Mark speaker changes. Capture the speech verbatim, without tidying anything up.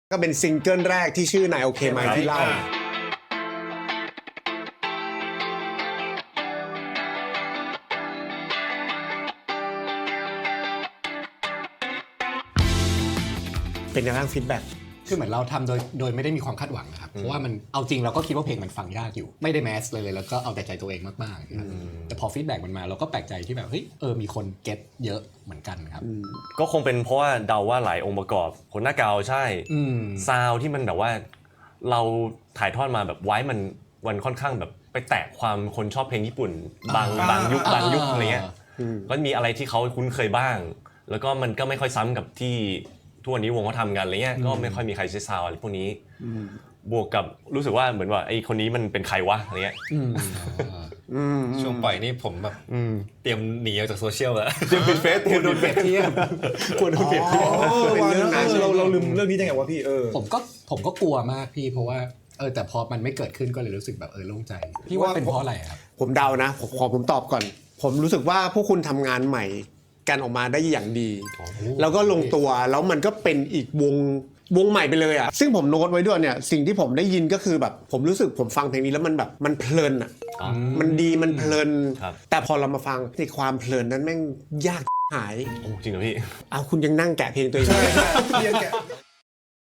Speaker 1: ก็เป็นซิงเกิลแรกที่ชื่อนายโอเคไหมที่เล่าเป็นยังไงฟีดแบ็ก
Speaker 2: คือเหมือนเราทำโดยโดยไม่ได้มีความคาดหวังนะครับเพราะว่ามันเอาจริงเราก็คิดว่าเพลงมันฟังยากอยู่ไม่ได้แมสเลยเลยแล้วก็เอาแต่ใจตัวเองมากๆครับแต่พอฟีดแบ็กมันมาเราก็แปลกใจที่แบบเฮ้ยเออมีคนเก็ตเยอะเหมือนกันครับ
Speaker 3: ก็คงเป็นเพราะว่าเดาว่าหลายองค์ประกอบคนหน้าเกาใช่ซาวที่มันแบบว่าเราถ่ายทอดมาแบบไว้มันวันค่อนข้างแบบไปแตะความคนชอบเพลงญี่ปุ่นบางบางยุคบางยุคอะไรเงี้ยก็มีอะไรที่เขาคุ้นเคยบ้างแล้วก็มันก็ไม่ค่อยซ้ำกับที่ทุกวันนี้วงเขาทำกันอะไรเงี้ยก็ไม่ค่อยมีใครใช้ซาวอะไรพวกนี้บวกกับรู้สึกว่าเหมือนว่าไอ้คนนี้มันเป็นใครวะอะไรเงี้ย
Speaker 4: ช่วงปล่อยนี่ผมแบบเตรียมหนีออกจากโซเชียลแล้ว
Speaker 3: เตรียมปิดเฟซเตรียมโดนเปรียบเทียบควรโดนเปรียบเทียบ
Speaker 1: เป็นเรื่องนั้น
Speaker 5: เราเราลืมเรื่องนี้ได้ไงวะพี่เออ
Speaker 2: ผมก็ผมก็กลัวมากพี่เพราะว่าเออแต่พอมันไม่เกิดขึ้นก็เลยรู้สึกแบบเออโล่งใจพี่ว่าเป็นเพราะอะไรครับ
Speaker 1: ผมเดานะผมขอผมตอบก่อนผมรู้สึกว่าพวกคุณทำงานใหม่กันออกมาได้อย่างดีแล้วก็ลงตัวแล้วมันก็เป็นอีกวงวงใหม่ไปเลยอ่ะซึ่งผมโน้ตไว้ด้วยเนี่ยสิ่งที่ผมได้ยินก็คือแบบผมรู้สึกผมฟังเพลงนี้แล้วมันแบบมันเพลินอ่ะมันดีมันเพลินแต่พอเรามาฟังในความเพลินนั้นแม่งยากหาย
Speaker 3: โอ้จริงเหรอพี่
Speaker 1: เอาคุณยังนั่งแกะเพลงตัวเอง
Speaker 5: ใช่ใช่ยังแกะ